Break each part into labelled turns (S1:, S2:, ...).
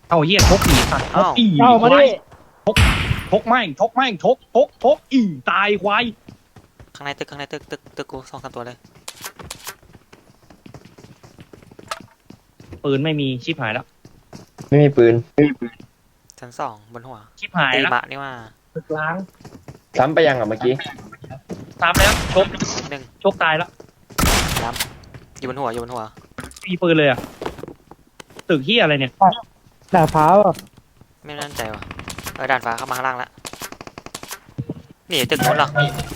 S1: เอาเหี้ยชกอีสัตว์ชกอี
S2: เอามาดิ
S1: ชกแม่งชกอีตายควาย
S3: ข้างในตึกกู2-3ตัวเลย
S1: ปืนไม่มีชิบหายแล้ว
S4: ไม่มีปืน
S3: ชั้น2บนหัว
S1: ชิบหาย
S3: ตี
S1: แล้ว
S3: มะนี่ว่า
S1: ตึกล้าง
S4: ซ้ำไปยังอ่ะเมื่อกี้
S1: ตามแล้วชก
S3: 1
S1: ชกตายแล้ว
S3: อยู่บนหัว
S1: มีปืนเลยอ่ะตึกเหี้ยอะไรเนี่ย
S2: ดาบเท้าอ่ะ
S3: ไม่แน่ใจว่ะด่านฟ้าเข้ามาข้างล่างแล้วนี่ตึกนู้นเหรอ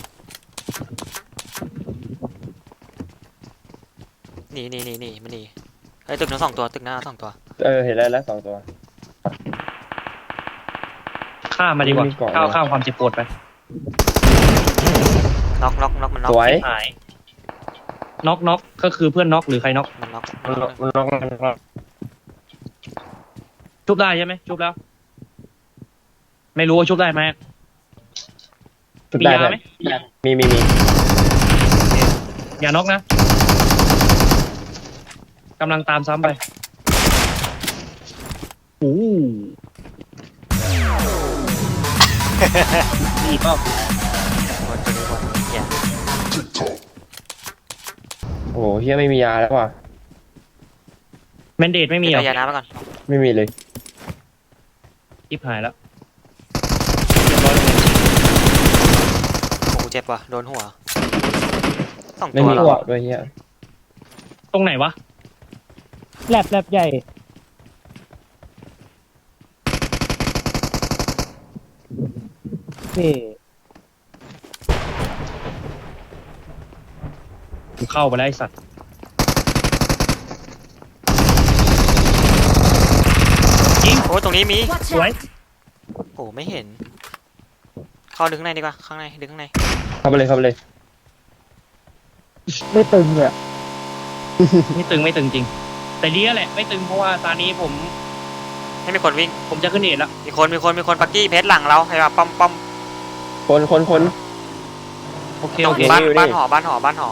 S3: นี่มันนี่ไอ้ตึกนู้น2 ตัวตึกหน้า2 ตัว
S4: เห็นแล้ว2 ตัว
S1: ฆ่ามาดีกว่า
S4: มีกล่อง
S1: ข้าวความเจ็บปวดไป
S3: น็อกมันน็อก
S4: สวย
S1: หายน็อกก็คือเพื่อนน็อกหรือใครน็อก
S3: มันน็อก
S4: มันล็อก
S1: ชุบได้ใช่ไหมชุบแล้ว ไม่รู้ว่าชุบได้ไหม
S4: ชุด
S1: มี
S4: ได้
S1: ยา
S4: ไห
S1: ไห
S4: ม
S1: ม
S4: มี
S1: อย่าน็อกนะกำลังตามซ้ำไปโอ้นี่ก็
S3: หมดตัวนี้หมดเหี้ย
S4: โอ้โหเฮียไม่มียาแล้วว่ะ
S1: แมนเดตไม่มีเหรอ
S3: เอายาน้ำมาก่อน
S4: ไม่มีเลย
S1: ชิบหายแล้วเรียบร้อยเลย
S3: โอ้โหเจ็บว่ะโดนหัว2
S4: ไม่
S3: ตัว
S4: มี
S3: เหร
S4: หัว
S3: อ
S4: ด้วยเฮีย
S1: ตรงไหนวะ
S2: แลบใหญ่นี่
S1: กูเข้าไปแล้วไอ้สัตว์ยิง
S3: โอ้ยตรงนี้มี
S1: สวย
S3: โอ้ไม่เห็นเข้าดึงข้างในดีกว่าข้างในดึงข้างใน
S4: เข้าไปเลย
S2: ไม่ตึงเลยอะ
S1: ไม่ตึงจริง แต่ดีแล้วแหละไม่ตึงเพราะว่าตอนนี้ผม
S3: ไม่มีคนวิ่ง
S1: จะขึ้นเนตแล้ว
S3: มีคนปักกี้เพชรหลังเราใครมาป้อม
S4: คน
S1: โอเค
S3: ตร
S1: โอง เค
S3: บ้าน
S4: อยู่นี่
S3: บ้านหอ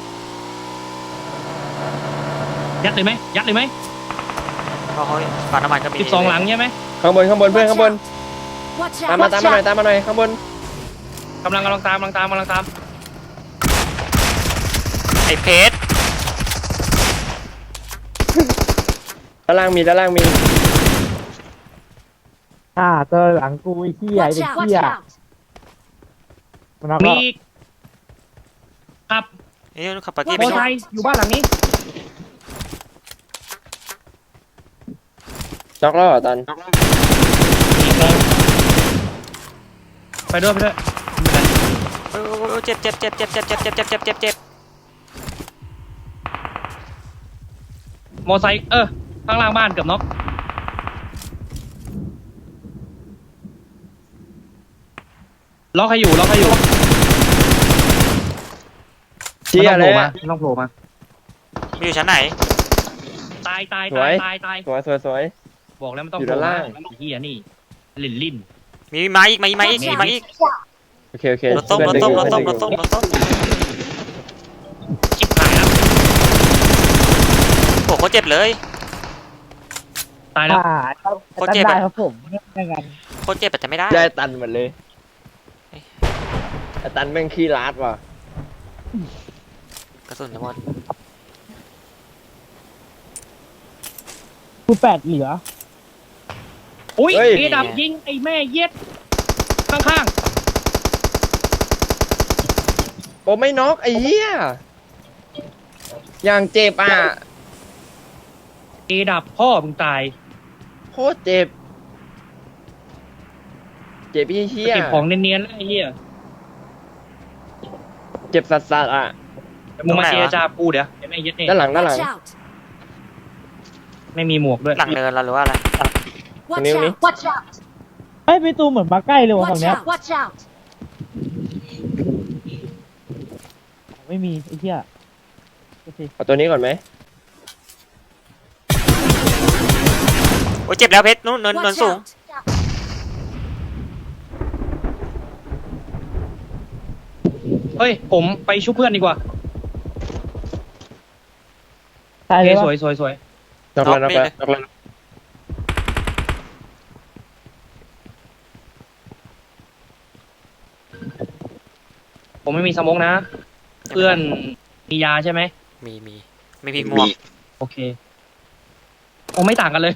S1: ยัดเลยไหม
S3: เขาฝาน้ำมันก็มี
S1: 12 หลังใช่ไหม
S4: ข้างบนเพื่อนข้างบน
S5: Watch
S4: ตาม
S5: out!
S4: มาหน่อยข้างบน
S1: กำลังตาม
S3: ไอ้เพชร
S4: ด้านล่างมี
S2: ตัวหลังกูไอ้ขี้ใหญ่
S5: Watch
S2: เด็ก
S5: out!
S2: ขี้
S5: Watch
S2: อ่ะ
S5: out!
S2: มันเอา
S1: มี
S2: ก็
S1: อีกขับ
S3: นี่ขับปักกี้
S1: ม
S3: ไป
S1: อ
S3: ดู
S1: ไซค์อยู่บ้านหลังนี้
S4: น็อกแล้วเหรอตัน
S1: ไปด้วย
S3: โอ้เจ็บ
S1: มอไซค์ข้างล่างบ้านเกือบน็อกล็อกให้อยู่
S4: เชี่ย
S1: มัน
S4: เล
S1: ต้องโผล่
S4: ย
S1: มา
S3: มีอยู่ชั้นไหน
S1: ตาย
S4: สวย สวย
S1: บอกแล้วมันต้อง
S4: อยู่
S1: โผล่
S4: ด้าน
S1: มา
S4: ล่าง
S1: เฮียนี่ลิ่น
S3: มีมาอีก
S4: โอเค
S3: รถต้ม
S1: ชิบหายแล้ว
S3: โอ้โหเจ็บเลย
S1: ตายแล้ว
S3: โคตรเจ็บอะ
S2: ได้ครับผมไม่งั้น
S3: โคตรเจ็บแต่ไม่ได้
S4: ได้ตันหมดเลยไอ้ตันแม่งขี้ลาดว่ะ
S3: กระสุนจะหมด
S2: กู8เหลือ
S1: อุ้ยเอดับยิงไอ้แม่เย็ดข้าง
S4: โอ้ไม่น็อกไอ้เหี้ยอย่างเจ็บอ่ะ
S1: ๆเอดับพ่อมึงตาย
S4: โคตรเจ็บพี่เหี้ย
S1: เก็บของเนียนๆแล้วไอ้เหี้ย
S4: เจ็บสัสๆอ่ะ
S1: เดี๋ยวมึงมาเจรจากูเดี๋ยวไอ้แม่เย็ดเนี่ย
S4: ด้านหลัง
S5: Watch out!
S1: ไม่มีหมวกด้วย
S3: หลังเนินเราหรือว่าอะไร
S5: Watch
S4: Neil,
S5: out! Watch out!
S2: ไอ้พี่ตูเหมือนมาใกล้เลยว่ะฝั่ง
S5: Watch
S2: เนี้ย
S5: out! Watch out!
S2: ไม่มีไอ้เหี้ยโอเค
S4: เอาตัวนี้ก่อนไหม
S3: โอ้เจ็บแล้วเพชรนู้นเนิน
S5: Watch
S3: สูง
S5: out!
S1: เฮ้ยผมไปชุบเพื่อนดีกว่า
S2: ตาย
S1: โอ
S2: เล
S1: เค
S2: ยวะ
S1: สวย
S4: น็อกแล้ว
S1: ผมไม่มีสโมกนะ เพื่อนมียาใช่ไหม
S3: มีไม่มีหมวก
S1: โอเคโอ้ไม่ต่างกันเลย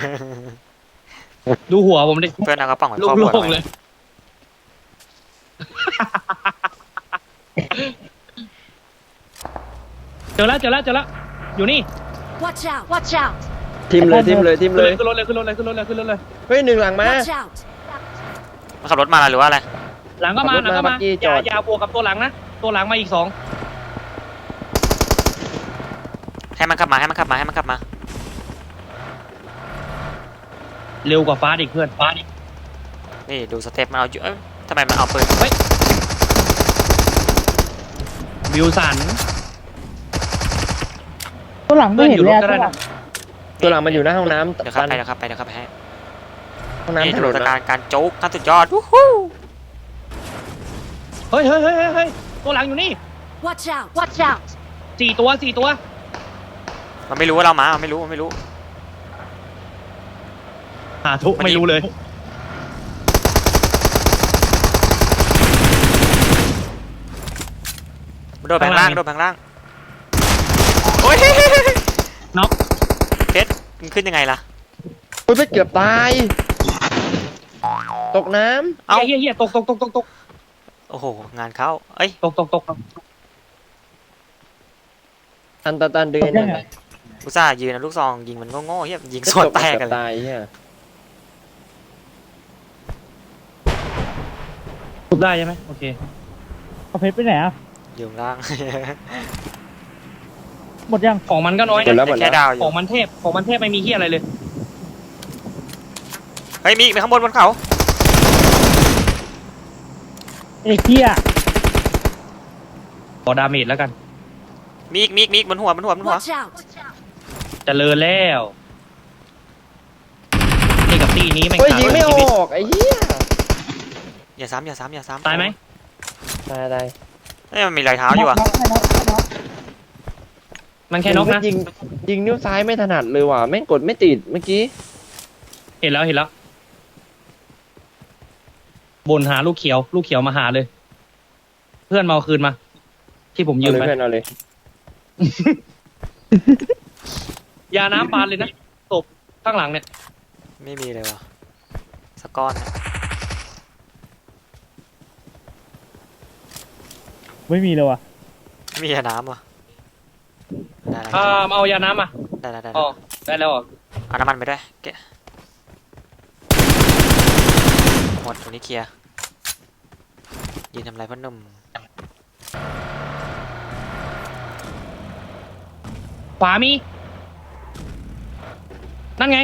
S1: ดูหัวผมดิ
S3: เพื่อนเอากระป๋องไป
S1: ลู
S3: ครอบหัว
S1: ก
S3: ทำ
S1: ๆ
S3: ไม
S1: เลย เจอแล้วอยู่นี่
S5: Watch out! Watch out!
S4: ทิมเลยทิมเลยทิมเลย
S1: ขึ้นรถเลย
S4: เฮ้ยหนึ่งหลังมา
S5: Watch out!
S3: มันขับรถมาแล้วหรือว่าอะไร
S1: หลังก็มา
S4: ขับรถมาบักกี้จอด
S1: อย่าบวกกับตัวหลังนะ ตัวหลังมาอีก 2
S3: ให้มันขับมา
S1: เร็วกว่าฟ้าดิเพื่อนฟ้าดิ
S3: นี่ดูสเต็ปมันเอาอยู่เอ้ยทำไมมันเอาปืน
S1: วิวสัน
S2: ตัวหลังไม่เห็นเลยอะตัวหลัง
S4: ตัวหลังมันอยู่หน้าห้องน้ำ
S3: เดี๋ยวขับไปให้
S4: ห้อง
S3: นี่
S4: น้ำถ
S3: ดู
S4: นน
S3: ส
S4: นะ
S3: การโจ๊กขั้นสุดยอดวู้ฮู้
S1: เฮ้ยตัวหลังอยู่นี่
S5: Watch out! Watch out!
S1: 4 ตัว
S3: มันไม่รู้ว่าเรามามันไม่รู้
S1: หาทุกไม่รู้เลย
S3: มันโดนแพงล่างโอ้ย
S1: น็อก
S3: เพชรมันขึ้นยังไงล่ะ
S4: เฮ้ยเกือบตาย ตกน้
S3: เอ้า
S1: เฮียตก
S3: โอ้โหงานเข้าเอ้ย
S1: ตก
S4: ำอันตันดึงไอ้นั่นน่ะ
S3: อุตส่าห์ยืนนะลูกซองยิงมันโง่ๆเฮียยิงสวนแตกกัน
S4: เอบ
S3: เลย
S4: ตายเฮีย
S1: ทุบได้ใช่ไหมโอเค
S2: เอาเพชรไปไหนอะ
S3: อยู่ข้างล่าง
S2: หมดยัง
S1: ของมันก็น้อย
S4: หมดแล้ว
S1: นะ
S4: หมด
S3: แค่
S4: แล้ว
S3: ดาวอยู่
S1: ของมันเทพไม่มีเฮียอะไรเลย
S3: เฮ้ยมีอีกข้างบนเขา
S2: ไอ้เหี้ย
S1: ขอดาเมจแล้วกัน
S3: มีอีกบนหัว
S5: Watch out!
S1: เจริญแล้วนี่กับตีนี้ไม่
S4: เฮ้ย
S1: ขาด
S4: ยิงไม่
S1: ชี
S4: อ
S1: วิต
S4: อกไอ้เหี้ย
S3: อย่าซ้ำ
S1: ตายไหม
S4: ตายตาย
S3: เฮ้ยมันมีรอยเท้าอยู่อ่ะ
S1: มันแค่น็อกนะ
S4: ยิงนิ้วซ้ายไม่ถนัดเลยว่ะแม่งกดไม่ติดเมื่อกี้
S1: เห็นแล้วบนหาลูกเขียวมาหาเลย เพื่อนมาเอาคืนมา ที่ผมยื
S4: เอา
S1: ม
S4: เลย
S1: ไป
S4: เพื่อนเอาเลย
S1: ยาน้ำปานเลยนะตบข้างหลังเนี่ย
S3: ไม่มีเลยว่ะสกก้อนเนี่ย
S2: ไม่มีเลยว่ะ
S3: มีแต่น้ำว่ะได้
S1: เอายาน้ำมา
S3: ได้
S1: อ๋อได้แล้วเหรอ
S3: เอาน้ำมันไปด้วยแกะหมดตรงนี้เคลียร์ยืนทำไรพ่อหนุ่ม
S1: ขวามี นั่นไง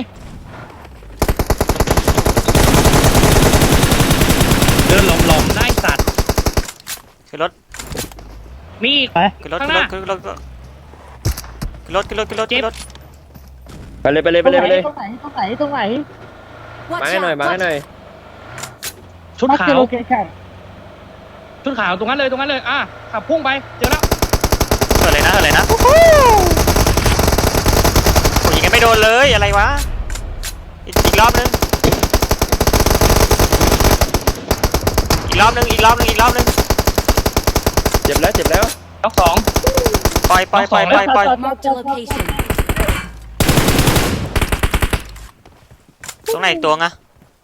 S1: เดินหลอมได้สัตว์
S3: ขึ้นรถ
S1: มีอีก
S2: ไป
S3: ขึ้นรถ
S1: ข้างหน้า
S3: ขึ้นรถ
S4: ไปเลยไปเลยไปเลยไปเลย
S2: ตรงไหน
S4: มา
S5: Watch
S4: ให้หน่อย
S5: out!
S4: มาให้หน่อย
S1: ชุด
S2: มา
S1: ขา
S2: เจอ
S1: ว
S2: โลเคชั่น
S1: ชุดขาวตรงนั้นเลยอ่ะขับพุ่งไปเจอแล้ว
S3: เหินเลยนะโอ้ยยิงกันไม่โดนเลยอะไรวะอีกรอบนึงอีกรอบนึง
S4: เจ็บแล้ว
S1: ล็อกสอง
S3: ปล่อย
S5: Marked a location.
S3: ตรงไหนอีกตัวงะ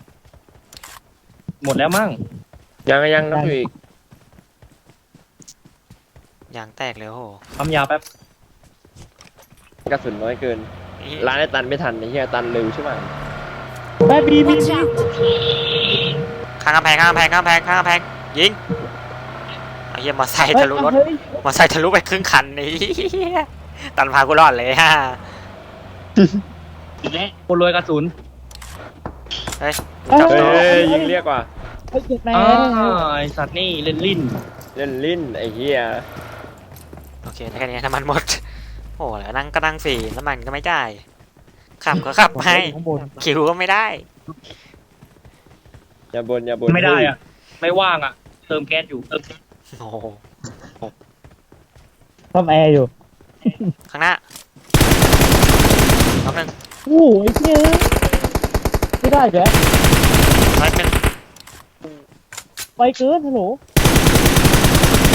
S1: หมดแล้วมั้ง
S4: ยังนับอยู่อีก
S3: ยางแตกเลยโอ้โห
S1: ปั๊มยาแป๊บ
S4: กระสุนน้อยเกินร้านไอ้ตันไม่ทันไอ้เหี้ยตันเร็วใช่ไหม
S2: ไปบี
S5: Watch out!
S3: ข้างกำแพงยิงไอ้เหี้ยมาใส่ทะลุรถมาใส่ทะลุไปครึ่งคันนี่ตันพากูรอดเลยฮะ
S1: และคนรวยกระสุน
S3: เฮ้ยจับ
S4: เฮ้
S3: ตัวย
S4: ยิงเรียกว่า
S2: เฮ้ยเจ็บแน่
S1: ไอสัตว์นี่เล่นลิ้น
S4: เล่นลิ้นไอ้เหี้ย
S3: โอเคแค่นี้น้ำมันหมดโอ้แล้วนั่งก็นั่งฟรีน้ำมันก็ไม่จ่ายขับก็ขับไม่
S2: ข้างบน
S3: คิวก็ไม่ได้
S4: อย่าบน
S1: ไม่ได้อ่ะ ไม่ว่างอ่ะ เติมแก๊สอยู่
S3: โอ้โห
S2: ซ่อมแอร์อยู่
S3: ข้างหน้ารอบหนึ่ง
S2: โอ้ยเหี้ยไม่ได้แก
S3: ร้อยหนึ่ง
S2: ไปเกินฮัลโหล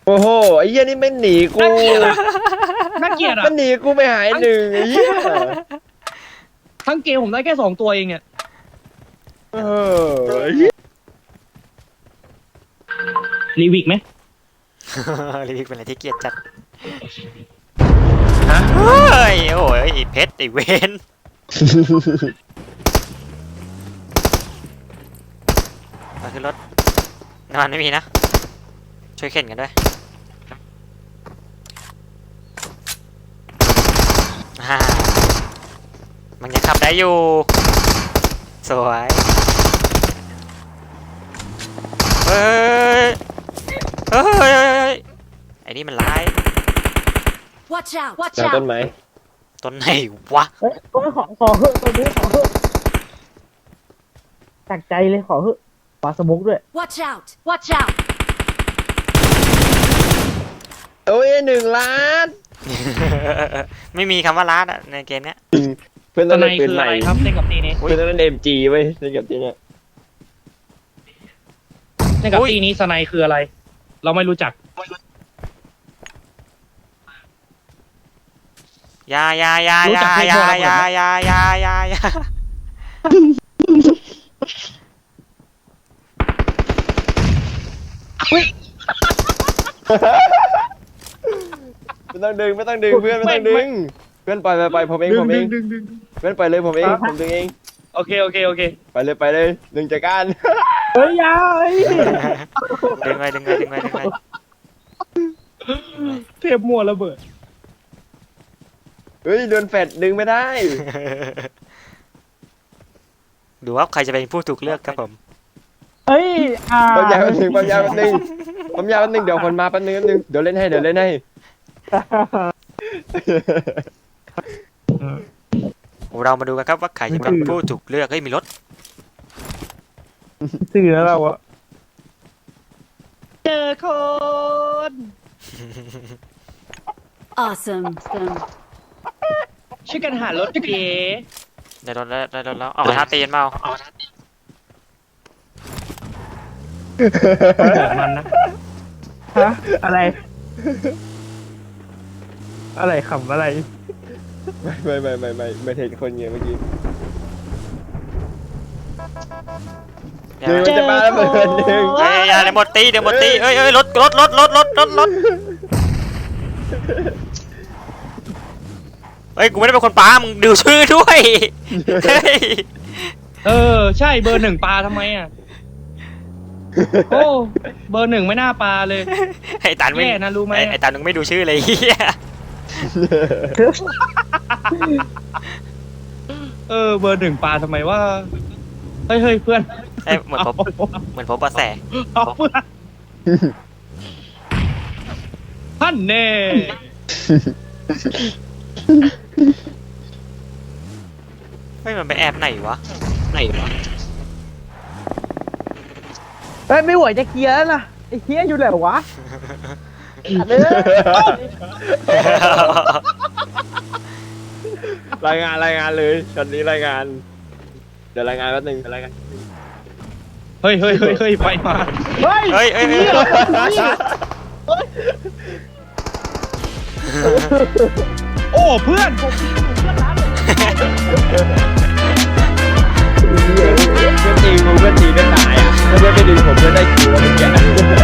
S4: โอ้โหไอ้เหี้ยนี่ไม่หนีกู
S1: น่าเกลียดอะน่าเกลียดอะ
S4: มันหนีกูไปหายหนึ่งไอ้เหี้ย
S1: ทั้งเกมผมได้แค่2 ตัวเองเนี่ย
S4: เออไอ้เหี้ย
S1: รีวิกไหม
S3: รีวิวเป็นอะไรที่เกลียดจัด
S1: ฮะ
S3: เฮ้ยโอ้ยไอ้เพชรไอ้เวนมาขึ้นรถน้ำมันไม่มีนะ ช่วยเข็นกันด้วยอ่ามันยังขับได้อยู่ สวยเฮ้ยเฮ้ยเฮ้ยเฮ้ยเฮ้ยไอ้นี่มันร้าย
S5: Watch out! Watch
S4: หลังต้น
S5: out!
S4: ไม้
S3: ต้นไหนวะ
S2: เฮ้ยขอเหอะตัวนี้ขอเหอะจากใจเลยขอเหอะปาสมุกด้วย
S5: Watch out! Watch out!
S4: โอ้ย1 ล้าน
S3: ไม่มีคำว่าร้านอะในเกมเนี้ย
S4: เพื่อน
S1: ส
S4: ต้อง
S1: ไน
S4: เล่นปืน
S1: คือ
S4: ให
S1: อะ
S4: ม่
S1: ไรครับเล่นกับตีนี้
S4: เพื่อนต้องเล่นเอ็มจีเว้ยเล่นกับทีเนี้ย
S1: เล่นกับตีนี้สไนคืออะไร เราไม่รู้จัก
S3: ยายายา
S1: รู้จั
S3: ยาก
S1: เพลง
S3: ยา
S1: พอแล้ว
S3: ยายายายายา
S4: ไม่ต้องดึงไม่ต้องดึงเพื่อนไม่ต้องดึงเพื่อนปล่อยไปผมเองผมเองเพื่อนปล่อยเลยผมเองผมดึงเอง
S1: โอเค
S4: ไปเลยดึงจากการ
S2: เฮ้ยอยาเฮ้ย
S3: ดึงไว้ดึงไว้ดึงไว้ดึงไว้
S1: เทพมัวระเบิด
S4: เฮ้ยโดนแฟดดึงไม่ได้
S3: ดูว่าใครจะเป็นผู้ถูกเลือกครับผม
S2: เฮ้ย
S4: ปั๊มยาแป๊บนึงปั๊มยาแป๊บนึงปั๊มยาแป๊บนึงเดี๋ยวคนมาแป๊บนึงเดี๋ยวเล่นให้
S3: เรามาดูกันครับว่าใครจะเป็นผู้ถูกเลือกเฮ้ยมีรถ
S2: สื่อแล้วเราอะ
S1: เจอคน
S5: Awesome!
S1: ช่วยกันหารถเก๋
S3: ได้รถแล้วได้รถแล้วเอากระทะตีนเมา
S1: บอกมันนะ
S2: ฮะอะไร อะไรขำอะไร
S4: ไม่เห็นคนเงี้ยเมื่อกี้
S3: เดี๋ยว
S4: มันจะมาแล้วเปิดดึง
S3: เฮ้ยอย่าเดี๋ยวหมดตีเดี๋ยวหมดตีเฮ้ยเฮ้ยรถเฮ้ยกูไม่ได้เป็นคนปามึงดูชื่อด้วยเฮ้ย
S1: ใช่เบอร์ 1ปลาทำไมอ่ะ โอ้เบอร์ 1ไม่น่าปลาเลย
S3: ไอ้ตันไม่
S1: แย่นะรู้ไหม
S3: ไอ้ตันมึงไม่ดูชื่อเลยเฮีย
S1: เบอร์ 1ปลาทำไมว่าเฮ้ยเพื่อน
S3: ไอ้เหมือนพบเบาะแส
S1: เอาเพื่อนท่านเน่
S3: เฮ้ยมันไปแอบไหนวะ
S2: เฮ้ยไม่ไหวจะเคลียร์แล้วนะไอ้เคลียร์อยู่ไหนวะเลย
S4: รายงานเลยช็อตนี้รายงานเดี๋ยวรายงานแป๊บนึง
S1: เฮ้ยไปมา
S2: เฮ้ย
S3: เฮ้ย
S1: โอ้เพื่อนผม
S4: เพื่อนตีกูเพื่อนตีก็ตายอ่ะถ้าเพื่อนไม่ดึงผมเพื่อนได้คิวแล้วเมื่อกี้